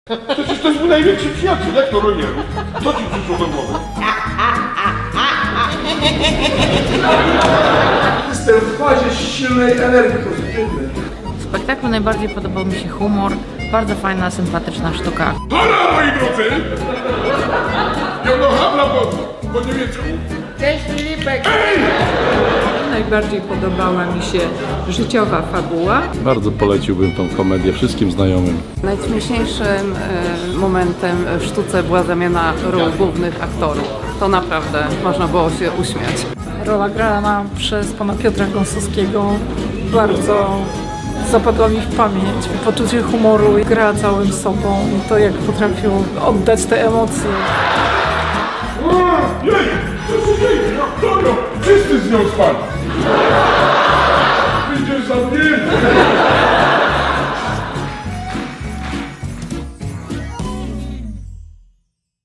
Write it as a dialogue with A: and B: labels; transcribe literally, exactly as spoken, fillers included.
A: Przecież to jest mój największy przyjaciel, jak to Rojerów? Co ci przyszło do głowy?
B: Jestem w fazie silnej energii pozytywnej.
C: W spektaklu najbardziej podobał mi się humor, bardzo fajna, sympatyczna sztuka.
A: Hola, moi drodzy! Jonohabla po, po niemiecku.
D: Cześć Filipek!
E: Najbardziej podobała mi się życiowa fabuła.
F: Bardzo poleciłbym tą komedię wszystkim znajomym.
G: Najśmieszniejszym e, momentem w sztuce była zamiana ról głównych aktorów. To naprawdę można było się uśmiać.
H: Rola grana przez pana Piotra Gąsowskiego bardzo zapadła mi w pamięć. Poczucie humoru, gra całym sobą i to, jak potrafił oddać te emocje.
A: A, jej! Co się dzieje? Doktora! Wszyscy z nią spali! Wyjdziesz za mnie!